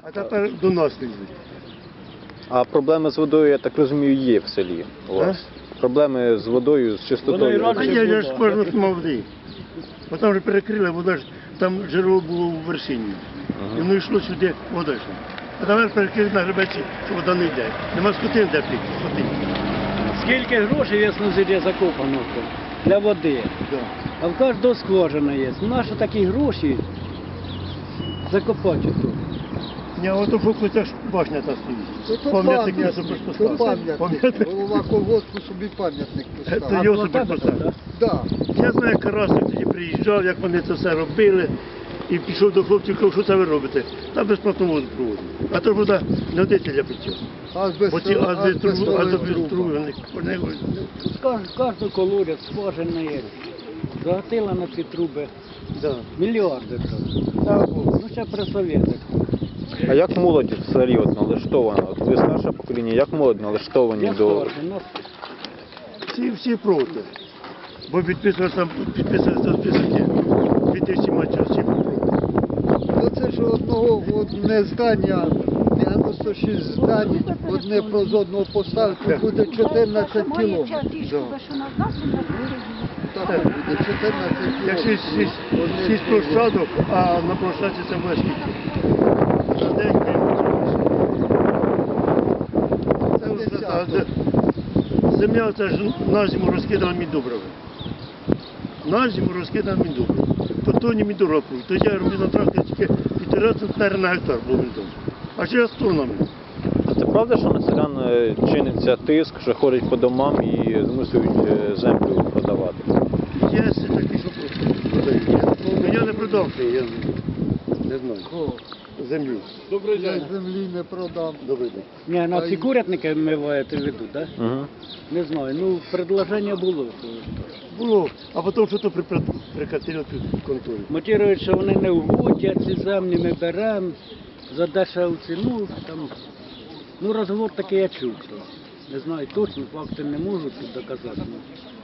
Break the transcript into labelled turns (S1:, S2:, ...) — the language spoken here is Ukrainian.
S1: А тепер до нас не йдуть.
S2: А проблеми з водою, я так розумію, є в селі у вас? Проблеми з водою, з чистотою.
S1: А я ж кожного мав води. Бо там вже перекрили, вода ж, там джерело було у вершині. І воно йшло сюди, вода йшла. А тепер перекрили на гребеці, що вода не йде. Нема скотин де пити, скотин.
S3: Скільки грошей в Яснозір'ї закопано для води,
S1: Да.
S3: а в кожного скважина є. Наші такі гроші закопати тут.
S1: Ні, а ото фокуся ж башня та стоїть. Пам'ятник не суперпоставив.
S4: Пам'ятник. Голова колгоспу собі пам'ятник
S1: Це
S4: поставив.
S1: його суперпоставив.
S4: Да.
S1: Я знаю, як Карасик тоді приїжджав, як вони це все робили. І пішов до хлопців, казав, що це ви робите? Там безплатно воду проводили. А то ж вода не годиться для пиття. Бо ці азотні труби, вони
S3: Кожен колодязь, скважина є. Загатила на ці труби мільярди. Ну, ще при совєтах.
S2: А як молодь в селі от налаштована? От ви старше покоління, як молодь налаштовані
S3: Я
S2: до...
S3: старший, нас
S1: всі проти. Бо підписувалися списки 2000 матчів, всі проти.
S4: Оце ж одне здання, 96 здань, одне з одного поставити, буде 14 кілометрів. Так, буде 14
S1: Як
S4: кілометрів.
S1: 6 площадок, а на площадці це буде скільки? За день це вже так. Земля це ж на зиму розкидала міндобрива. На зиму розкидала міндобрива. То тоні міндобрива пруть. То я робив на тракторі тільки 1,5 центнера на гектар було міндобрива. А зараз тоннами.
S2: А це правда, що на селян чиниться тиск, що ходять по домам і змушують землю продавати?
S1: Є такі, що продають. Ну, я не продав це, я не знаю. Землю.
S4: Я землі не продам.
S1: Добрий день.
S3: Ні, на ці курятники ми маєте в виду, так?
S2: Угу.
S3: Не знаю, ну, предложення було.
S1: Було, а потім що то прикатили під конторі.
S3: Мотивують, що вони не вгодять, ці землі ми беремо за дешеву ціну. Там, ну, розговор такий я чув. Не знаю точно, факти не можу тут доказати.